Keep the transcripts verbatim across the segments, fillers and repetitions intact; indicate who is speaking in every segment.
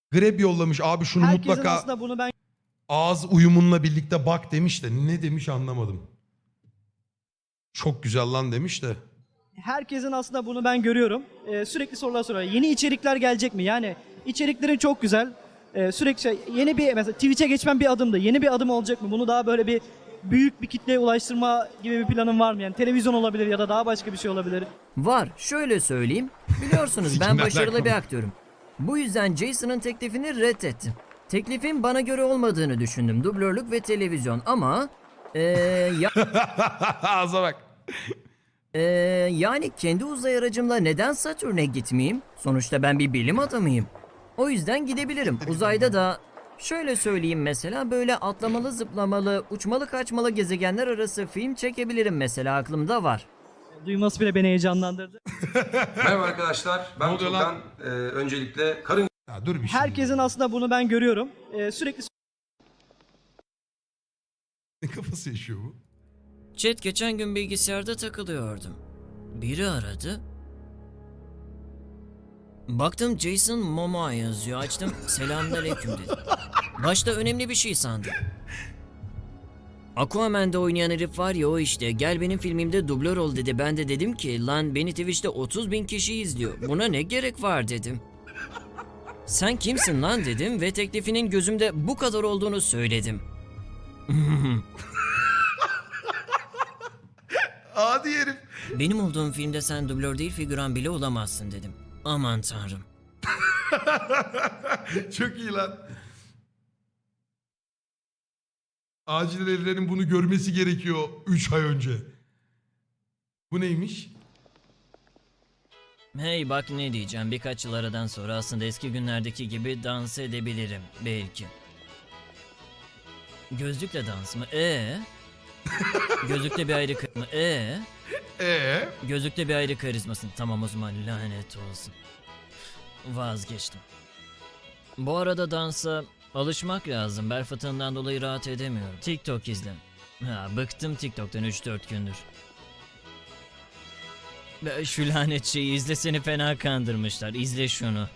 Speaker 1: Grab yollamış abi şunu
Speaker 2: Herkesin
Speaker 1: mutlaka
Speaker 2: aslında bunu ben
Speaker 1: ağız uyumunla birlikte bak demiş de ne demiş anlamadım. Çok güzel lan demiş de.
Speaker 2: herkesin aslında bunu ben görüyorum. Ee, sürekli sorular soruyor. Yeni içerikler gelecek mi? Yani içeriklerin çok güzel. Ee, sürekli şey, yeni bir mesela Twitch'e geçmem bir adımdı. Yeni bir adım olacak mı? Bunu daha böyle bir büyük bir kitleye ulaştırma gibi bir planın var mı? Yani televizyon olabilir ya da daha başka bir şey olabilir.
Speaker 3: Var. Şöyle söyleyeyim. Biliyorsunuz ben
Speaker 1: Sikinler
Speaker 3: başarılı
Speaker 1: alakalı.
Speaker 3: bir aktörüm. Bu yüzden Jason'ın teklifini reddettim. Teklifin bana göre olmadığını düşündüm. Dublörlük ve televizyon ama... Ee, ya,
Speaker 1: Ağza bak.
Speaker 3: ee, yani kendi uzay aracımla neden Satürn'e gitmeyeyim? Sonuçta ben bir bilim adamıyım. O yüzden gidebilirim. Uzayda da... Şöyle söyleyeyim mesela böyle atlamalı, zıplamalı, uçmalı, kaçmalı gezegenler arası film çekebilirim mesela aklımda var.
Speaker 2: Duyması bile beni heyecanlandırdı.
Speaker 4: Merhaba arkadaşlar,
Speaker 1: Ne
Speaker 4: ben
Speaker 1: oluyor lan?
Speaker 4: Turgan. Ee, öncelikle karın
Speaker 1: Ya dur bir şey.
Speaker 2: Herkesin aslında bunu ben görüyorum. Ee, sürekli
Speaker 1: Ne kafası yaşıyor bu?
Speaker 3: Chat geçen gün bilgisayarda takılıyordum. Biri aradı. Baktım Jason Momoa yazıyor. Açtım selamünaleyküm dedim. Başta önemli bir şey sandım. Aquaman'da oynayan herif var ya o işte. Gel benim filmimde dublör ol dedi. Ben de dedim ki lan beni Twitch'te otuz bin kişi izliyor. Buna ne gerek var dedim. Sen kimsin lan dedim ve teklifinin gözümde bu kadar olduğunu söyledim.
Speaker 1: Adi herif.
Speaker 3: Benim olduğum filmde sen dublör değil figüran bile olamazsın dedim. Aman tanrım.
Speaker 1: Çok iyi lan. Acil evrenin bunu görmesi gerekiyor üç ay önce. Bu neymiş?
Speaker 3: Hey bak ne diyeceğim, birkaç yıl aradan sonra aslında eski günlerdeki gibi dans edebilirim belki. Gözlükle dans mı? Ee? Gözlükle bir ayrı kı- mı? Ee?
Speaker 1: Ee?
Speaker 3: Gözlükle bir ayrı karizmasın. Tamam o zaman lanet olsun. Vazgeçtim. Bu arada dansa alışmak lazım. Bel fıtığından dolayı rahat edemiyorum. TikTok izle. Ha, bıktım TikTok'tan üç dört gündür. Be, Şu lanet şeyi izle, seni fena kandırmışlar. İzle şunu.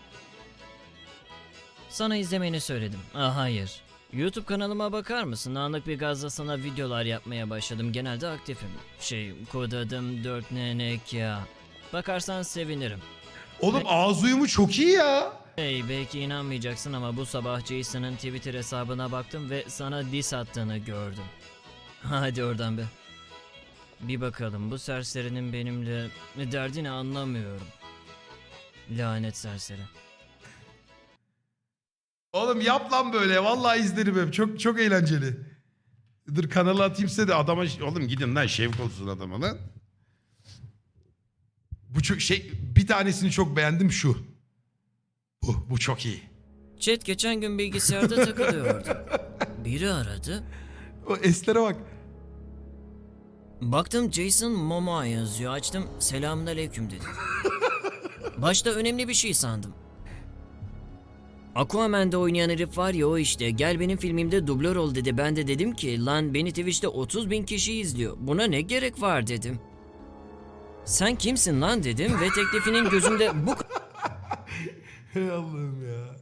Speaker 3: Sana izlemeni söyledim. Ah hayır. YouTube kanalıma bakar mısın? Anlık bir gazla sana videolar yapmaya başladım. Genelde aktifim. Şey, kod adım dört N N K. Bakarsan sevinirim.
Speaker 1: Oğlum ağız uyumu çok iyi ya.
Speaker 3: Hey, belki inanmayacaksın ama bu sabah Jason'ın Twitter hesabına baktım ve sana diss attığını gördüm. Hadi oradan be. Bir bakalım, bu serserinin benimle derdini anlamıyorum. Lanet serseri.
Speaker 1: Oğlum yap lan böyle. Vallahi izlerim hep. Çok çok eğlenceli. Dur kanala atayım size de adama... Oğlum gidin lan şevk olsun adama lan. Bu çok şey... Bir tanesini çok beğendim şu. Bu, bu çok iyi.
Speaker 3: Chat geçen gün bilgisayarda takılıyordum. Biri aradı.
Speaker 1: O eslere bak.
Speaker 3: Baktım Jason Momoa yazıyor. Açtım selamünaleyküm dedim. Başta önemli bir şey sandım. Aquaman'da oynayan herif var ya o işte. Gel benim filmimde dublör ol dedi. Ben de dedim ki lan beni Twitch'te otuz bin kişi izliyor. Buna ne gerek var dedim. Sen kimsin lan dedim ve teklifinin gözümde bu
Speaker 1: Hey Allah'ım ya.